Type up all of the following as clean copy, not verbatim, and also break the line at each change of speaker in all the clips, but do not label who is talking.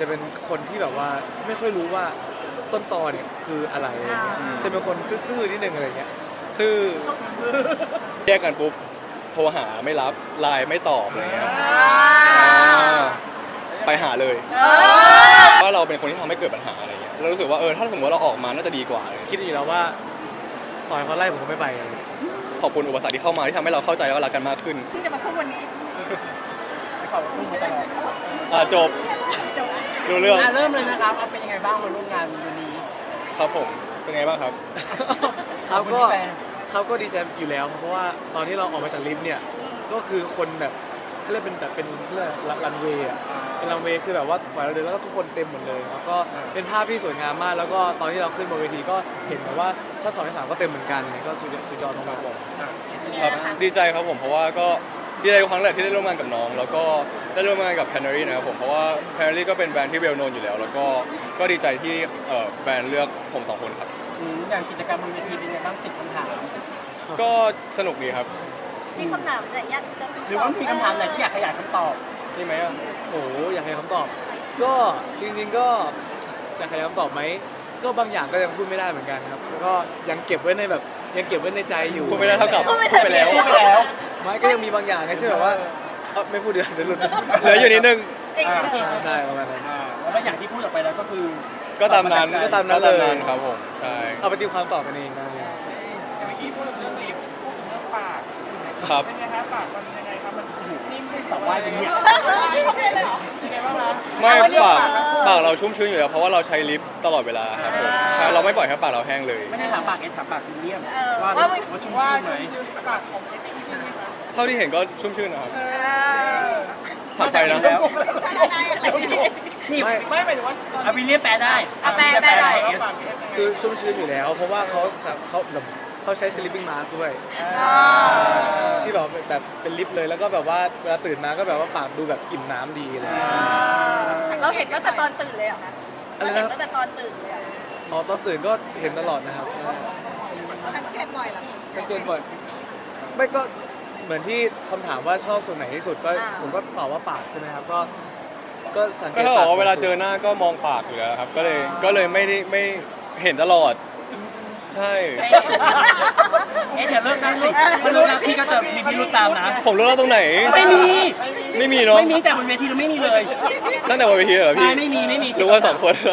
จะเป็นคนที่แบบว่าไม่ค่อยรู้ว่าต้นตอเนี่ยคืออะไรอะไรเงี้ยจะเป็นคนซื่อๆนิดนึงอะไรเงี้ยซื่อ
แยกกันปุ๊บโทรหาไม่รับไลน์ไม่ตอบอะไรเงี้ยไปหาเลยว่าเราเป็นคนที่ทำให้เกิดปัญหาอะไรเงี้ยเรารู้สึกว่าถ้าสมมติว่าเราออกมาน่าจะดีกว่า
คิดอยู่แล้วว่าต่อยเขาไล่ผมก็ไม่ไปเลย
ขอบคุณอุปสรรคที่เข้ามาที่ทำให้เราเข้าใจว่ารักกันมากขึ้น
ที่จะมาสู้วันนี้
เขาสู้มาตลอด
จบรู้เรื่อง
เริ่มเลยนะครับเป็นยังไงบ้างมาร่วมงานวันนี้
ครับผมเป็นไงบ้างครับ
เขาก็ดีใจอยู่แล้วเพราะว่าตอนที่เราออกมาจากลิฟต์เนี่ยก็คือคนแบบเขาเรียกเป็นแบบเป็นเรื่องรันเวย์อ่ะเป็นรันเวย์คือแบบว่าปล่อยเราเดินแล้วก็ทุกคนเต็มหมดเลยแล้วก็เป็นภาพที่สวยงามมากแล้วก็ตอนที่เราขึ้นบนเวทีก็เห็นแบบว่าชั้น2ชั้น3ก็เต็มเหมือนกันก็สุดยอดมากๆ
ครับดีใจครับผมเพราะว่าก็ดีใจครั้งแรกที่ได้ร่วมงานกับน้องแล้วก็ได้ร่วมงานกับ Canary นะครับผมเพราะว่า Canary ก็เป็นแบรนด์ที่เวลโนนอยู่แล้วแล้วก็ดีใจที่แบรนด์เลือกผม2คนครับ
อย่างกิจกรรมบนเวทีเป็นยังไงบ้าง10 คำถาม
ก็สนุกดีครับ
มีคำถามอะไรยาก
หรือว่ามีคำถามอะไรที่อยากขยายคำตอบ
นี่ไหมอ่ะ
โอ้อยากให้คำตอบก็จริงๆก็อยากให้คำตอบไหมก็บางอย่างก็ยังพูดไม่ได้เหมือนกันครับแล้วก็ยังเก็บไว้ในแบบยังเก็บไว้ในใจอยู่
พูดไม่ได้เท่ากับพูดไปแล้ว
ไม่ก็ยังมีบางอย่างไงใช่แบบว่าไม่พูดเดี๋ยวหลุด
เหลืออยู่นิดนึง
ใช่ประมาณนั้น
แล้วอย่างที่พูดออกไปแล้วก็คือ
ก็ตามนั้น
เลย
ครับผมใช่
เอาไปตีความตอบกันเองได้
เมื่อกี้พูดถึงลิฟต์พูดถึงเรื่องปาก
ครับ
เป็นไงครับปากมันยังไงครับมันนิ่ม
ตอบว่าอย่างนี้
ยังไงบ้างคะ
ไม่ปากเราชุ่มชื้นอยู่แล้วเพราะว่าเราใช้ลิปตลอดเวลาครับผมใช่เราไม่ปล่อยให้ปากเราแห้งเลย
ไม่ได้ถามปากถามปากคุณเลี่ยมว่าชุ่ม
ชื้
นไหม
ปากของชุ่มชื้นไหมคะ
เท่าที่เห็นก็ชุ่มชื้นนะครับถามใครนะ
นี่
ไม่หมายถึงว่า
วิลเลียมแปลได้
แปลได้
คือชุ่มชื้นอยู่แล้วเพราะว่าเขาใช้ sleeping mask ด้วยที่แบบเป็นลิปเลยแล้วก็แบบว่าเวลาตื่นมาก็แบบว่าปากดูแบบอิ่มน้ำดีเลย
เราเห็นตั้งแต่ตอนตื่นเลยเหรอคะ
อะไรนะ
ตั้งแต่ตอนตื่นเลย
ตอนตื่นก็เห็นตลอดนะครับ
สังเกตบ่อยเหรอ
สังเกตบ่อยไม่ก็เหมือนที่คำถามว่าชอบส่วนไหนที่สุดก็ผมก็ตอบว่าปากใช่ไหมครับก็สังเกต
ก็เวลาเจอหน้าก็มองปากอยู่แล้วครับก็เลยไม่เห็นตลอดใช่
อย่าเลิกนั่งลูกมันรู้นะพี่ก็จะมีพิรุธตามนะ
ผมรู้แล้วตรงไหน
ไม่มี
เนาะ
ไม่มีแต่บนเวทีเราไม่มีเลย
ตั้งแต่บนเวทีเหรอพี่
ไม่มี
รู้ว่า2 คน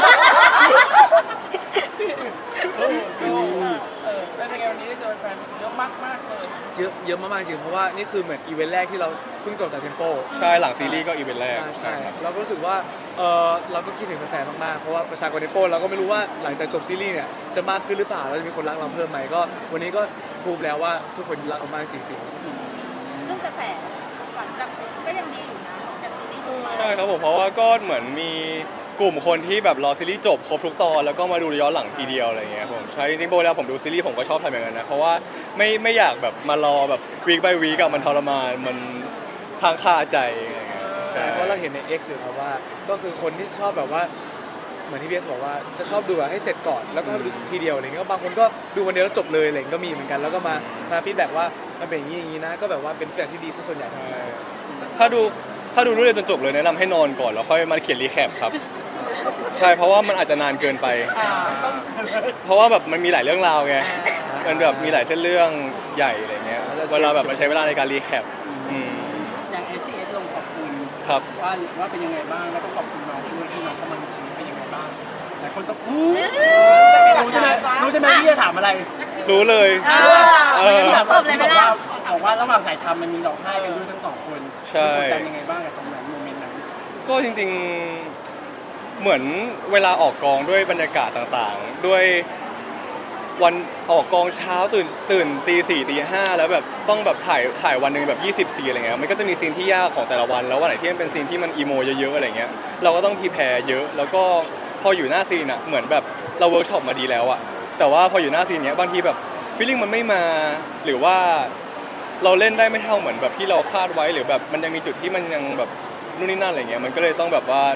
แล้วในวันนี้ได้เจอแฟนเยอะมากเลย
เยอะมากๆจริงเพราะว่านี่คือเหมือนอีเวนต์แรกที่เราเพิ่งจบจากเทมโป
ใช่หลังซีรีส์ก็อีเวนต์แรก
ใช่เราก็รู้สึกว่าเราก็คิดถึงแฟนๆมากๆเพราะว่าประชากรเทมโปเราก็ไม่รู้ว่าหลังจากจบซีรีส์เนี่ยจะมากขึ้นหรือเปล่าเราจะมีคนรักเราเพิ่มไหมก็วันนี้ก็พูดแล้วว่าทุกคนรักเรามากจริงๆ
เรื่องกระแสก่อนก็ยังดีอยู่นะจากซีรีส์
ใช่ครับผมเพราะว่าก็เหมือนมีกลุ่มคนที่แบบรอซีรีส์จบครบทุกตอนแล้วก็มาดูย้อนหลังทีเดียวอะไรเงี้ยผมใช่จริงๆโบแล้วผมดูซีรีส์ผมก็ชอบทำอย่างนั้นนะเพราะว่าไม่อยากแบบมารอแบบวีค by วีคมันทรมานมันค้างคาใจอะไรเงี้ย
ใช่เพราะเราเห็นใน X อยู่ครับว่าก็คือคนที่ชอบแบบว่าเหมือนที่พีเอสบอกว่าจะชอบดูแบบให้เสร็จก่อนแล้วก็ดูทีเดียวอะไรเงี้ยบางคนก็ดูวันเดียวแล้วจบเลยอะไรก็มีเหมือนกันแล้วก็มาฟีดแบ็กว่ามันเป็นอย่างนี้นะก็แบบว่าเป็นฟีดแบ็กที่ดีส่วนใหญ่
ถ้าดูเรื่องจนจบเลยแนะนำให้นอนก่อนแล้วค่อยมาเขียนรีแคปครับใช่เพราะว่ามันอาจจะนานเกินไปเพราะว่าแบบมันมีหลายเรื่องราวไงมันแบบมีหลายเส้นเรื่องใหญ่อะไรเงี้ยเวลาแบบมันใช้เวลาในการรีแคป
อย่าง SCS ลงขอบคุณ
ครับ
ว่าเป็นยังไงบ้างแล้วก็ขอบคุณน้องด้วยที่น้องเข้ามาในชีวิตเป็นยังไงบ้างหลายคนต้องรู้ใช่ไหมพี่จะถามอะไร
รู้เลย
ตอบเลยไม่ล่ะ
บอกว่าระหว่างถ่ายทำมันมีร้องไห้กันด้วยทั้ง2 คน
ใช่
กดดันยังไงบ้างกับตรงนั้นโมเมนต์นั้น
ก็จริงๆเหมือนเวลาออกกองด้วยบรรยากาศต่างๆด้วยวันออกกองเช้าตื่นตี 4 ตี 5แล้วแบบต้องแบบถ่ายวันนึงแบบ20 ซีนอะไรเงี้ยมันก็จะมีซีนที่ยากของแต่ละวันแล้ววันไหนที่มันเป็นซีนที่มันอีโมเยอะๆอะไรเงี้ยเราก็ต้องพรีแพร์เยอะแล้วก็พออยู่หน้าซีนอ่ะเหมือนแบบเราเวิร์กช็อปมาดีแล้วอ่ะแต่ว่าพออยู่หน้าซีนเนี้ยบางทีแบบฟีลลิ่งมันไม่มาหรือว่าเราเล่นได้ไม่เท่าเหมือนแบบที่เราคาดไว้หรือแบบมันยังมีจุดที่มันยังแบบนู่นนี่นั่นอะไรเงี้ยมันก็เลยต้องแบบว่า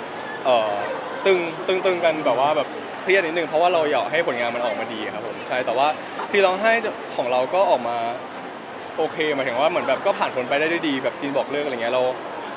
ตึงกันแบบว่าแบบเครียดนิดนึงเพราะว่าเราอยากให้ผลงานมันออกมาดีครับผมใช่แต่ว่าซีนร้องไห้ของเราก็ออกมาโอเคหมายถึงว่าเหมือนแบบก็ผ่านผลไปได้ด้วยดีแบบซีนบอกเลิกอะไรเงี้ยเรา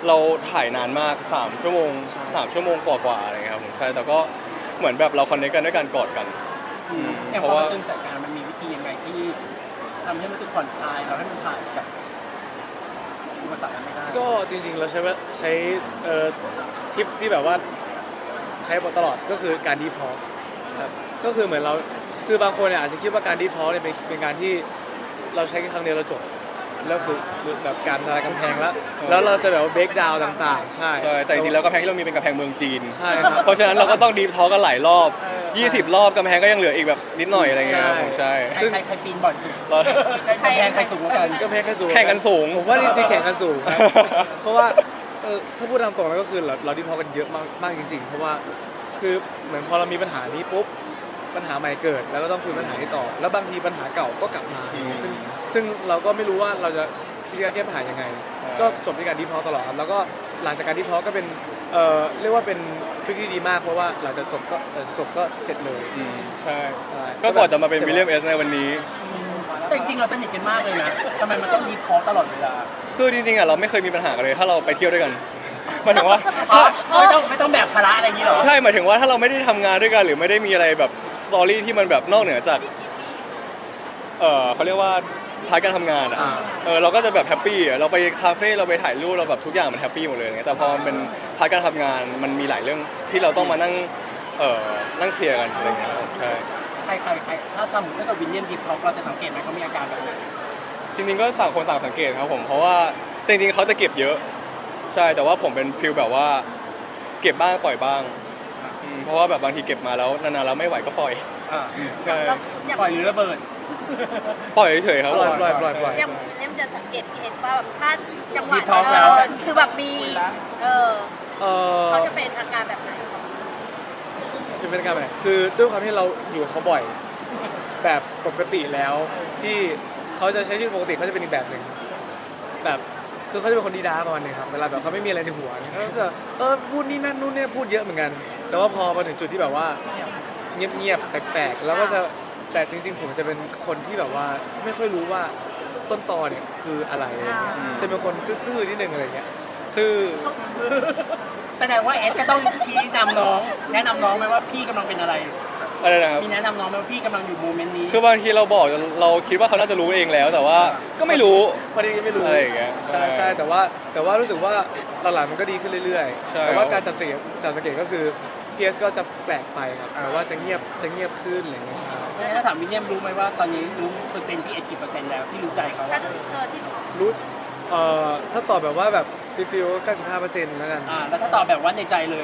เราถ่ายนานมาก3 ชั่วโมง3 ชั่วโมงกว่าๆอะไรเงี้ยครับผมใช่แต่ก็เหมือนแบบเราคอนเนคกันด้วยการกอดกัน
อย่าง
เพ
พอ
ราะ
มั
ว่า
นตึงสายการมันมีวิธียังไงที่ทำให้รู้สึกผ่อนคลายเราให้มันผ่านแบบอุปสรรคนั้นไม่ได้
ก็จริงๆเราใช้ทิปที่แบบว่าใช้ตลอดก็คือการดีพอร์ครับก็คือเหมือนเราคือบางคนเนี่ยอาจจะคิดว่าการดีพอร์เนี่ยเป็นการที่เราใช้แค่ครั้งเดียวเราจบแล้วคือแบบการทลายกำแพงแล้วเราจะแบบว่าเบรกดาวต่างๆใช่
ใช่แต่จริงๆแล้วกำแพงที่เรามีเป็นกำแพงเมืองจีน
ใช่ครับ
เพราะฉะนั้นเราก็ต้องดีฟทอล์กกันหลายรอบ 20 รอบกำแพงก็ยังเหลืออีกแบบนิดหน่อยอะไรเงี้ยครับผมใช่
ใครปีนบ่อยสุด
เรา
ใครแพงใครสูงกว่ากัน
ก็แพ้แค่สูง
แข่งกันสูง
ผมว่าจริงๆแข่งกันสูงครับ เพราะว่าถ้าพูดตามตรงแล้วก็คือเราดีพอกันเยอะมากจริงๆ เพราะว่าคือเหมือนพอเรามีปัญหานี้ปุ๊บปัญหาใหม่เกิดแล้วก็ต้องคุยปัญหาที่ต่อ แล้วบางทีปัญหาเก่าก็กลับมา ซึ่งเราก็ไม่รู้ว่าเราจะวิธีการแก้ปัญหายังไง ก็จบที่การดีพอตลอดครับแล้วก็หลังจากการดีพอก็เป็นเรียกว่าเป็นทริคที่ดีมากเพราะว่าหลังจากจบก็เสร็จเลย
ใช่ ก็ก่อนจะมาเป็นวิลเลียมเอสในวันนี้
แต่จริงๆเราสนิทกันมากเลยนะทำไมมันต้องดีพอตลอดเวลา
คือจริงๆอ่ะเราไม่เคยมีปัญหากันเลยถ้าเราไปเที่ยวด้วยกันหมายถึงว่า
ไม่ต้องแบกภาระอะไรอย่างนี้หรอ
ใช่หมายถึงว่าถ้าเราไม่ได้ทำงานด้วยกันหรือไม่ได้มีอะไรแบบสตอรี่ที่มันแบบนอกเหนือจากเขาเรียกว่าพาร์ทการทำงานอ่ะเราก็จะแบบแฮปปี้อ่ะเราไปคาเฟ่เราไปถ่ายรูปเราแบบทุกอย่างมันแฮปปี้หมดเลยอย่างเงี้ยแต่พอมันเป็นพาร์ทการทำงานมันมีหลายเรื่องที่เราต้องมานั่งเคลียร์กันอะไรเงี้ยครับใช่
ใครถ้าสมมติถ้าเกิดวินเลียมดีพอเราจะสังเกตไหมเขามีอาการแบบไหน
จริงๆก็ต่างคนต่างสังเกตครับผมเพราะว่าจริงๆเขาจะเก็บเยอะใช่แต่ว่าผมเป็นฟิลแบบว่าเก็บบ้างปล่อยบ้างเพราะว่าแบบบางทีเก็บมาแล้วนานๆแล้วไม่ไหวก็ปล่อยใช่
ปล่อยหรือระเบิด
ปล่อยเฉยๆครับผม
ปล่อย
ยังเล่มจะสังเกตเห็นว่าแบบถ้าจังหวะ
ดีพอแล้ว
คือแบบมี
เออ
เขาจะเป็นอาการแบบไหน
จะเป็นการแบบคือด้วยความที่เราอยู่กับเขาบ่อย แบบปกติแล้วที่เขาจะใช้ชีวิตปกติเขาจะเป็นอีกแบบหนึ่งแบบคือเขาจะเป็นคนดีด้าประมาณนึงครับเวลาแบบเขาไม่มีอะไรในหัวเขาจะพูดนี่นั่นนู่นเนี่ยพูดเยอะเหมือนกัน แต่ว่าพอมาถึงจุดที่แบบว่าเงียบๆแปลกๆแล้วก็จะแต่จริงๆผมจะเป็นคนที่แบบว่าไม่ค่อยรู้ว่าต้นตอเนี่ยคืออะไรอะไรเงี้ยจะเป็นคนซื่อๆนิดนึงอะไรเงี้ยซื่อ
แสดงว่าเอสก็ต้องชี้นำน้อง แนะนำน้องไหมว่าพี่กำลังเป็นอะไร
อะไรนะครับ
มีแนะนำน้องไหมว่าพี่กำลังอยู่โมเมนต์นี้
คือบางทีเราบอกเราคิดว่าเขาน่าจะรู้เองแล้ว แต่ว่าก็ไม่รู้
วันนี้ไม่รู้
อะไรอย่างเงี้ย
ใช่แต่ว่ารู้สึกว่าหลังๆมันก็ดีขึ้นเรื่อย
ใช่
ๆแต่ว่าการจัดสังเกตก็คือ PS ก็จะแปลกไปครับแต่ว่าจะเงียบขึ้นอะไรอย่างเงี้ยใช่
ถ้าถามวินเลียมรู้ไหมว่าตอนนี้รู้เปอร์เซ็นต์พี่เอสกี่เปอร์เซ็นต์แล้วที่รู้ใจเขา
ถ้าที่
รู้ถ้าตอบแบบว่าแบบฟิล95%แล้วกัน
แล้วถ้าตอบแบบว่าในใจเลย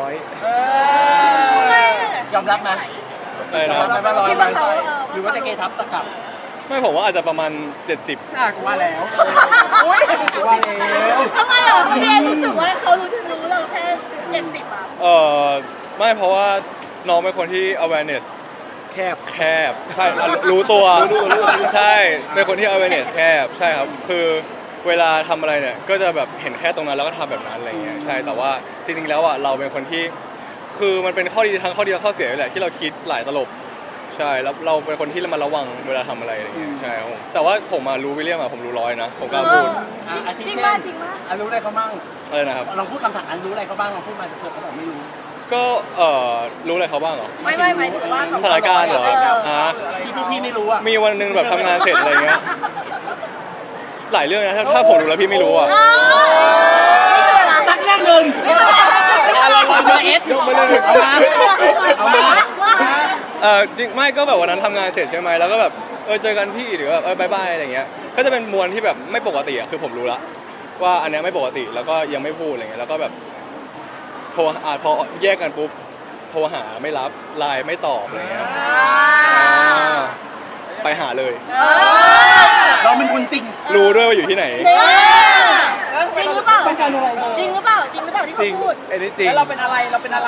100
ยอมรับไหม
อะไร
ยอ
นะ
มรับไหมว่าร้อยไหมหรือว่าจะเกทับตะกลับ
ไม่ผมว่าอาจจะประมาณ 70
กูว่าแล้วกูว่าแล้ว
ทำไมเหรอพี่เอรู้สึกว่าเขารู้เราแค่70อ่ะ
ไม่เพราะว่าน้องเป็นคนที่ awareness
แคบ
ใช่รู้ตัวใช่เป็นคนที่ awareness แคบใช่ครับคือเวลาทำอะไรเนี่ยก็จะแบบเห็นแค่ตรงนั้นแล้วก็ทำแบบนั้นอะไรเงี้ยใช่แต่ว่าจริงๆแล้วอ่ะเราเป็นคนที่คือมันเป็นข้อดีทั้งข้อดีและข้อเสียแหละที่เราคิดหลายตลบใช่แล้วเราเป็นคนที่ระมัดระวังเวลาทำอะไรอะไรเงี้ยใช่ครับผมแต่ว่าผมมารู้วิลเลียมอะผมรู้100นะผมกล้าพูด
อาทิ
จริง
เช่
มาก
น
จริงมาก
รู้อะไรเขาบ้าง
อะไรนะครับ
ลองพูดคำถามรู้อะไรเขาบ้างลองพูดมาเผื่อเขาบอกไม่รู้
ก็รู้อะไรเขาบ้างเหรอ
ไม่หมายถึงว่า
สถานการณ์เหรอ
ที่พวกพี่ไม่รู้อ่ะ
มีวันหนึงแบบทำงานเสร็จอะไรเงี้ยหลายเรื่องนะถ้าผมรู้แล้วพี่ไม่รู้อ่ะ
สักเรื่องหนึ่งเอามาเอส
ยกมาเลย
เอามา
จริงไม่ก็แบบวันนั้นทำงานเสร็จใช่ไหมแล้วก็แบบเจอกันพี่หรือแบบบายบายอะไรเงี้ยก็จะเป็นมวลที่แบบไม่ปกติอ่ะคือผมรู้ละว่าอันเนี้ยไม่ปกติแล้วก็ยังไม่พูดอะไรเงี้ยแล้วก็แบบโทรพอแยกกันปุ๊บโทรหาไม่รับไลน์ไม่ตอบอะไรเงี้ยไปหาเลย
เราเป็นคนจริง
รู้ด้วยว่าอยู่ที่ไหน
จริงหรือเปล่า
ต้องการอะไร
จริงหรือเปล่าที่
จริง
เขาพูด
อันนี้จริง
แล้วเราเป็นอะไร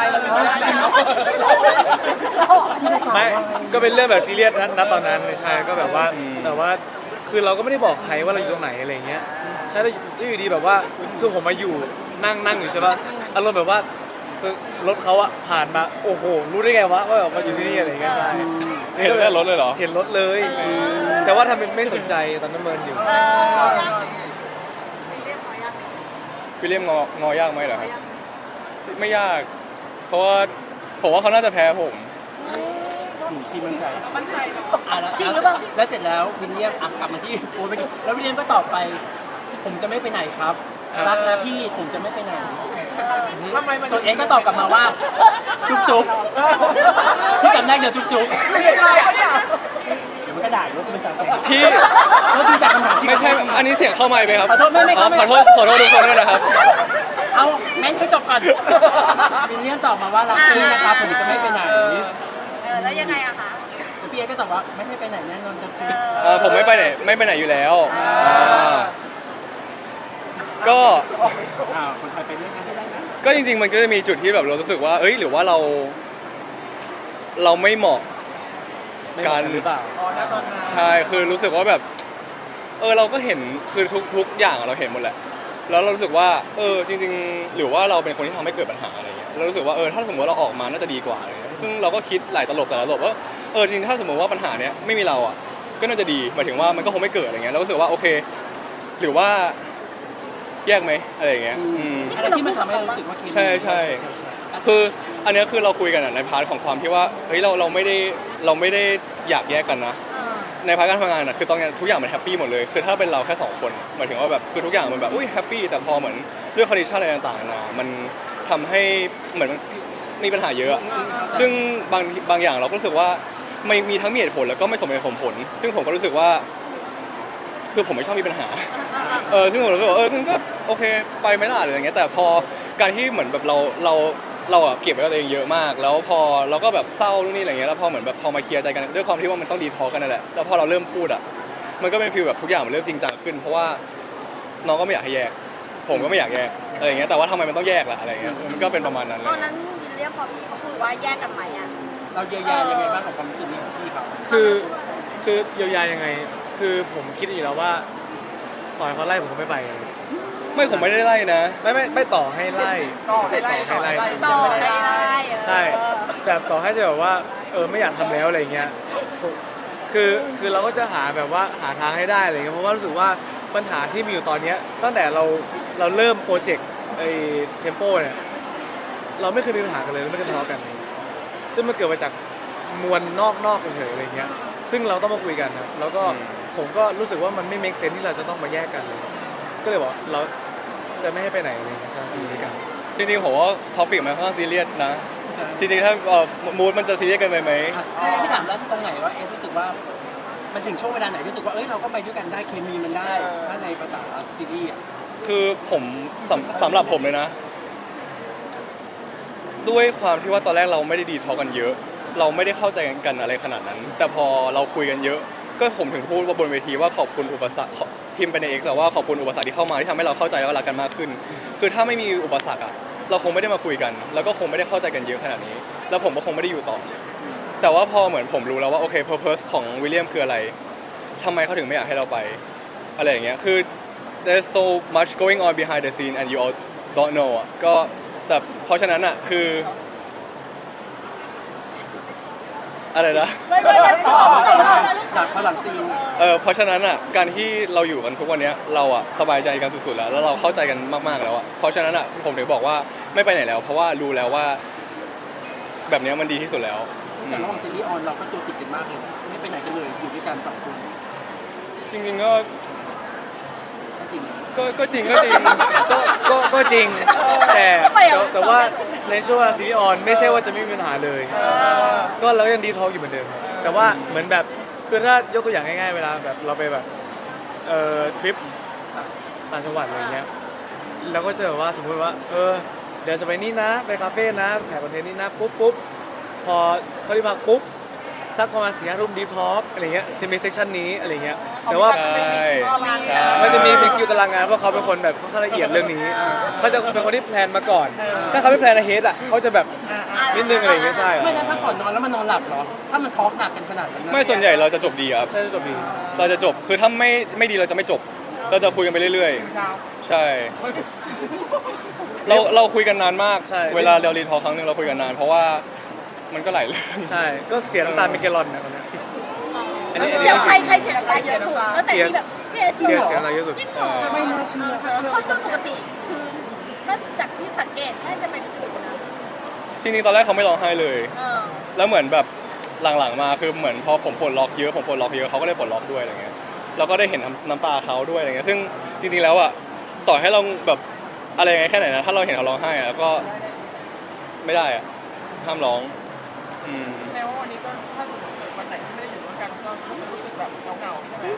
ไม่ก็เป็นเรื่องแบบซีเรียสนะตอนนั้นใช่ก็แบบว่าแต่ว่าคือเราก็ไม่ได้บอกใครว่าเราอยู่ตรงไหนอะไรเงี้ยใช่แล้วอยู่ดีแบบว่าคือผมมาอยู่นั่งอยู่ใช่ป่ะอารมณ์แบบว่าคือรถเขาอะผ่านมาโอ้โหรู้ได้ไงวะว่าแบบมาอยู่ที่นี่อะไรเงี้ยใช่
เห็นแต่รถเลยเหรอ
เห็นรถเลย แต่ว่าทำเป็นไม่สนใจตอนนั้นเมินอยู่
วิลเลียมงอยากไหมเหรอครับไม่ยาก เพราะว่าผมว่าเขาน่าจะแพ้ผม
พี่มั่นใจ
มั่นใจเนาะ
แล้วแล้วเสร็จแล้ววิลเลียมกลับมาที่โอ้ยแล้ววิลเลียมก็ตอบไป ผมจะไม่ไปไหนครับรักนะพี่ผมจะไม่ไปไหน
ทำไมมัน
ส่วนเอ็กก็ตอบกลับมาว่า จุ๊บจุ๊บพี่จำได้เดี๋ยวจุ๊บจุ๊บ
ไม่ใช่เขาเนี่ย
เดี๋ยวมันก็ด่าว่าเป็นสาวแก่
พี่
แล้วดูจากคำถามที่
ไม่ใช่อันนี้เสียงเข้าไมค์ไหมครับ
ขอโทษไม่
อ๋อ
ไม่
ขอโทษทุกคนด้วยนะครับ
เอาแม่งให้จบก่อนวิลเลียมตอบมาว่ารักพี่นะครับผมจะไม่ไปไหน
แล้วยังไงอะคะ
แล้วพี่เอ็กก็ตอบว่าไม่ให้ไปไหนแน่นอนจะจุ๊บ
ผมไม่ไปไหนอยู่แล้วก็
คนไทยไปเรื่องนั้นให้ได้นะ
ก็จริงๆมันก็จะมีจุดที่แบบเรารู้สึกว่าเอ้ยหรือว่าเราไม่เหมาะ
ไม่เหมาะกันหรือเปล่า
อ๋อณตอนนั้น
ใช่คือรู้สึกว่าแบบเราก็เห็นคือทุกอย่างเราเห็นหมดแหละแล้วเรารู้สึกว่าจริงๆหรือว่าเราเป็นคนที่ทำให้เกิดปัญหาอะไรเงี้ยเรารู้สึกว่าถ้าสมมติว่าเราออกมาน่าจะดีกว่าอะไรเงี้ยซึ่งเราก็คิดหลายตลบว่าจริงๆถ้าสมมติว่าปัญหาเนี้ยไม่มีเราอ่ะก็น่าจะดีหมายถึงว่ามันก็คงไม่เกิดอะไรเงี้ยเรารู้สึกว่าโอเค หรือว่าแยกไหมอะไรอย่างเงี้ย
อะไรที่มันทำให้เรารู้สึกว่าเคมี
ใช่คืออันเนี้ยคือเราคุยกันอะในพาร์ทของความที่ว่าเฮ้ยเราไม่ได้อยากแยกกันนะในพาร์ทการทำงานอะคือตอนนี้ทุกอย่างมันแฮปปี้หมดเลยคือถ้าเป็นเราแค่2คนหมายถึงว่าแบบคือทุกอย่างมันแบบอุ้ยแฮปปี้แต่พอเหมือนเรื่องคอนดิชันอะไรต่างๆนานามันทำให้เหมือนมันมีปัญหาเยอะอะซึ่งบางอย่างเราก็รู้สึกว่าไม่มีทั้งมีเหตุผลแล้วก็ไม่สมเหตุสมผล ซึ่งผมก็รู้สึกว่า คือผมไม่ชอบมีปัญหา ซึ่งผมรู้สึกว่ามันก็โอเคไปไม่ล่ะหรืออย่างเงี้ยแต่พอการที่เหมือนแบบเราอะเก็บไว้กับตัวเองเยอะมาก แล้วพอเราก็แบบเศร้านู่นนี่อะไรเงี้ยแล้วพอเหมือนแบบพอมาเคลียร์ใจกันด้วยความที่ว่ามันต้องดีทอล์กกันนั่นแหละแล้วพอเราเริ่มพูดอะมันก็เป็นฟีลแบบทุกอย่างมันเริ่มจริงจังขึ้นเพราะว่าน้องก็ไม่อยากให้แยก ผมก็ไม่อยากแยกอะไรอย่างเงี้ยแต่ว่าทำไมมันต้องแยกล่ะอะไรเงี้ยมันก็เป็นประมาณนั้นเล
ตอน
ย
นั้นวิลเลียมพอพี่เขาพูดว่าแยกกันไหมอะ
เราเยียวยายังไงบ้างกับความรู้สึกนี้ของพี่เขา
คือเยียวยายังไง คือผมคิดอยู่แล้วว่าต่อให้เขาไล่ผมก็ไม่ไปเลย
ไม่ผมไม่ได้ไล่นะ
ไม่ต่อให้ไล่
ต่อให้ไล่ต่อให้ไล่
ต่อให้ได้
ใช่แต่ต่อให้จะแบบว่าไม่อยากทำแล้วอะไรเงี้ยคือเราก็จะหาแบบว่าหาทางให้ได้อะไรเงี้ยเพราะว่ารู้สึกว่าปัญหาที่มีอยู่ตอนเนี้ยตั้งแต่เราเริ่มโปรเจกต์เทมโปเนี่ยเราไม่เคยมีปัญหากันเลยเราไม่เคยทะเลาะกันเลยซึ่งมันเกิดมาจากมวลนอกเฉยๆอะไรเงี้ยซึ่งเราต้องมาคุยกันครับแล้วก็ผมก็รู้สึกว่ามันไม่ make sense ที่เราจะต้องมาแยกกันเลยก็เลยบอกเราจะไม่ให้ไปไหนอะไรเงี้ยใช่อยู่ด้วยกัน
จริงๆผมว่าท็อปิกมันค่อนข้างซีเรียสนะจริงๆถ้ามูดมันจะซีเรียสเกินไปไหม
พี่ถามแล้วตรงไหนว่าเอ็กรู้สึกว่ามันถึงช่วงเวลาไหนรู้สึกว่าเราก็ไปด้วยกันได้เคมีมันได้ถ้าในภาษาซีรีส์อ่ะ
คือผมสำหรับผมเลยนะ ด้วยความที่ว่าตอนแรกเราไม่ได้ดีทอกันเยอะ เราไม่ได้เข้าใจกันอะไรขนาดนั้น แต่พอเราคุยกันเยอะ ก็ผมถึงพูดว่าบนเวทีว่าขอบคุณอุปสรรคพิมพ์ไปใน X ว่าขอบคุณอุปสรรคที่เข้ามาที่ทำให้เราเข้าใจและรักกันมากขึ้น คือถ้าไม่มีอุปสรรคอะเราคงไม่ได้มาคุยกัน แล้วก็คงไม่ได้เข้าใจกันเยอะขนาดนี้ แล้วผมก็คงไม่ได้อยู่ต่อ แต่ว่าพอเหมือนผมรู้แล้วว่าโอเค purpose ของวิลเลียมคืออะไรทำไมเขาถึงไม่อยากให้เราไปอะไรอย่างเงี้ยคือ there's so much going on behind the scene and you all don't know อ่ะก็แต่เพราะฉะนั้นอ่ะคืออะไรนะ
ไม่
หลังซีน
เพราะฉะนั้นอ่ะการที่เราอยู่กันทุกวันเนี้ยเราอ่ะสบายใจกันสุดๆแล้วเราเข้าใจกันมากๆแล้วอ่ะเพราะฉะนั้นอ่ะผมถึงบอกว่าไม่ไปไหนแล้ว เพราะว่ารู้แล้วว่าแบบเนี้ยมันดีที่สุดแล้ว
แต่ระหว่างซีรีส์ออนเราก็ตัวติดกันมากเลยไม่ไปไหนกันเลยอยู่ด้วยกันสองคน
จริงๆก็
จริง
ก็จริง
ก็จริงแต่ว่าในช่วงซีรีส์ออนไม่ใช่ว่าจะไม่มีปัญหาเลย ก็เรายังดีทอล์กอยู่เหมือนเดิมครับแต่ว่าเหมือนแบบคือถ้ายกตัวอย่างง่ายๆเวลาแบบเราไปแบบทริปต่างจังหวัดอะไรเงี้ยเราก็จะแบบว่าสมมติว่าเดี๋ยวจะไปนี่นะไปคาเฟ่นะถ่ายคอนเทนต์นี่นะปุ๊บพอเขาที่พักปุ๊บสักประมาณ4-5 ทุ่มดีทอล์กอะไรเงี้ยจะมีเซสชันนี้อะไรเงี้ยแต่ว่า
ใช่ใช่
มันจะมีเป็นคิวตารางงานเพราะเขาเป็นคนแบบค่อนข้างละเอียดเรื่องนี้เขาจะเป็นคนที่แพลนมาก่อน ถ้าเขาไม่แพลนอะเฮดอ่ะเขาจะแบบนิดนึงอะไรอย่างเงี้ยใช่
ไม่แล้วถ้าก่อนนอนแล้วมันนอนหลับเหรอถ้ามันทอล์กหนักกันขนาดนั้น
ไม่ส่วนใหญ่เราจะจบดีครับ
ใช่จบดี
เราจะจบคือถ้าไม่ดีเราจะไม่จบ เราจะคุยกันไปเรื่อย
เช้า
ๆ ใช่ เราคุยกันนานมากเวลาเรารีทอลครั้งหนึงเราคุยกันนานเพราะว่ามันก็หลายเรื่อง
ใช่ก็เสียน้ำตาเป็นแกลลอนนะตอนเนี้ยอันนี้
เดี๋ยวใครเสียน้ำตาเยอะสุดตั้งแต่ที่แบบพี่เอจริงเหรอ
เสียน้ำตาเยอะสุด
จริงเหรอ
ไม่น่าเชื่อ
เพราะโดยปกติคือถ้าจากที่สังเกตน่าจะเป็นคุณนะ
จริงๆตอนแรกเขาไม่ร้องไห้เลย
เออ
แล้วเหมือนแบบหลังๆมาคือเหมือนพอผมปลดล็อกเยอะเขาก็เลยปลดล็อกด้วยอะไรเงี้ยเราก็ได้เห็นน้ำตาเขาด้วยอะไรเงี้ยซึ่งจริงๆแล้วอ่ะต่อให้เราแบบอะไรยังไงแค่ไหนนะถ้าเราเห็นเขาร้องไห้อ่ะก็ไม่ได้อ่ะห้ามร้อง
แสดงว่าวันนี้ก็ถ้าสมมติเกิดวันไหนที่ไม่ได้อยู่ด้วยกันก็จะรู้สึกแบบเหงาๆใช่ไหม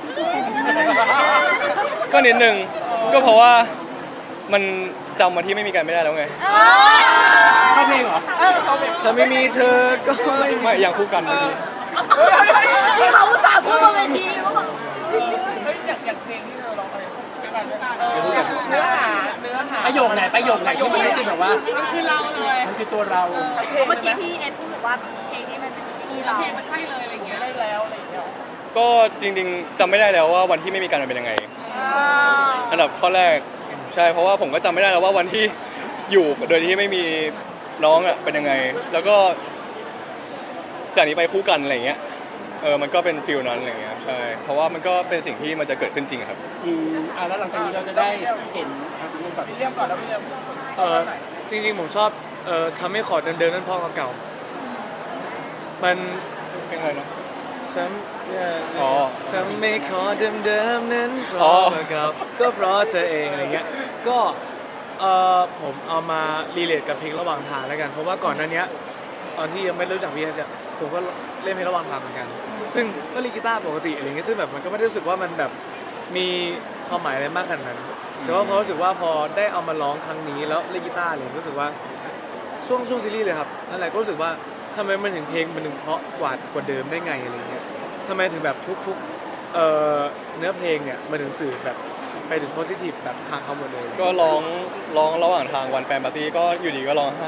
ก็นิดนึงก็เพราะว่ามันจำมาที่ไม่มีกันไม่ได้แล้วไง
เข้าเพลงเหรอ
ถ้าไม่มีเธอก็ไม่มี
ไม่อย่างคู่กันเมื่อกี้
ที่เขาอุตส่าห์พูดบนเวทีว่าแบบ
เฮ้ยอย่างเพลงที่เธอร้องอะไรด้วยกันเนื้อหา
ประโยคไหนที่มันรู้สึกแบบว่า
มันคือเราเลย
มันคือตัวเรา
เมื่อกี้พี่เอ็ดพูดบอกว่าเพลงนี้มันเป็นที่เรา
เพลงมันใช่เลยอะไรเงี้ยได้แล้วอะไรเงี้ย
ก็จริงๆจำไม่ได้แล้วว่าวันที่ไม่มีกันมันเป็นยังไง อันดับข้อแรกใช่เพราะว่าผมก็จำไม่ได้แล้วว่าวันที่อยู่โดยที่ไม่มีน้องอ่ะเป็นยังไง แล้วก็จากนี้ไปคู่กันอะไรเงี้ยมันก็เป็นฟิลนั้นอะไรเงี้ยใช่เพราะว่ามันก็เป็นสิ่งที่มันจะเกิดขึ้นจริงครับ
แล้วหลังจากนี้เราจะได้เห็นรูปแบบ
พี่เรียมก่อนแล้วพี่เรียม
จริงๆผมชอบทำให้ขอเดิมๆนั่นพ่อเก่าๆมัน
เป็นอะไรนะ
ฉันเนี่ย
อ๋อ
ทำไม่ขอเดิมๆนั้นเพ
อ๋
ราะ
อ
ว่ากับก็เพราะเธอเองอะไรเงี้ยก็ผมเอามารีเลทกับเพลงระหว่างทางแล้วกันเพราะว่าก่อนหน้านี้ตอนที่ยังไม่รู้จักพี่จะผมก็เล่นเพลงระหว่างทางเหมือนกัน ซึ่งก็เล่นกีตาร์ปกติอะไรเงี้ยซึ่งแบบมันก็ไม่ได้รู้สึกว่ามันแบบมีความหมายอะไรมากขนาดนั้น แต่ว่าพอรู้สึกว่าพอได้เอามาร้องครั้งนี้แล้วเล่นกีตาร์เลยรู้สึกว่าช่วงซีรีส์เลยครับนั่นแหละก็รู้สึกว่าทำไมมันถึงเพลงมันถึงเพราะกว่าเดิมได้ไงอะไรเงี้ยทำไมถึงแบบทุกเนื้อเพลงเนี่ยมันถึงสื่อแบบไปถึงโพสิทีฟแบบทางเขาหมดเลย
ก็ร้องระหว่างทางวันแฟนปาร์ตี้ก็อยู่ดีก็ร้องไห้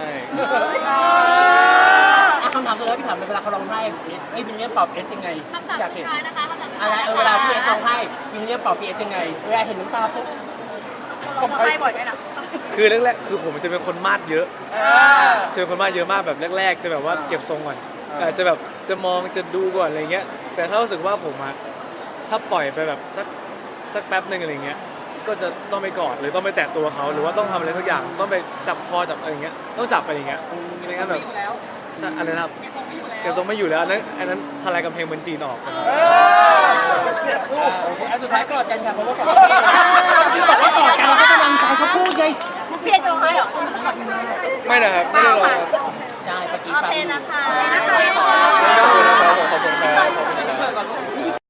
คำถามสุดท้ายพี่ถามเวลาเขาร้องไห้วินเลียมปอบเอสยังไง
คำถาม
อยาก
สุ
เห็
ด
น
ท้ายนะคะคำถามสุด
อะไร
ท้าย
เวลาพี่เอสร้องไห้วินเลียมปอบพี่เอสยังไงเวลาเห็นน้ำตาปุ๊บ
ผมให้บ่อยด้วยนะ
คือแรกๆคือผมจะเป็นคนมาดเยอะจะเป็นคนมาดเยอะมากแบบแรกๆจะแบบว่าเก็บทรงก่อนจะแบบจะมองจะดูก่อนอะไรเงี้ยแต่ถ้ารู้สึกว่าผมอะถ้าปล่อยไปแบบสักแป๊บหนึ่งอะไรเงี้ยก็จะต้องไปกอดหรือต้องไปแตะตัวเขาหรือว่าต้องทำอะไรสักอย่างต้องไปจับคอจับอะไรเงี้ยต้องจับไปอย่างเงี้ยไม่งั้นแบบใช่อะไรนะครับเก็บทรงไม่อยู่แล้วอันนั้นทลายกำแพงเมืองจีนออก
อันสุดท้ายกอดกันค่ะเพราะว่าก่อนที่บอกว่ากอดกันเราก็กำลังใจเขาพูดไง
พี่เอ็ดจะร้องไห้เหรอ
ไม่นะครับไม่ได้ร้องครับ
ใช่เมื่อกี้
โอ
ฟัง
เคนะคะ
ขอบคุณนะครับขอบคุณครับ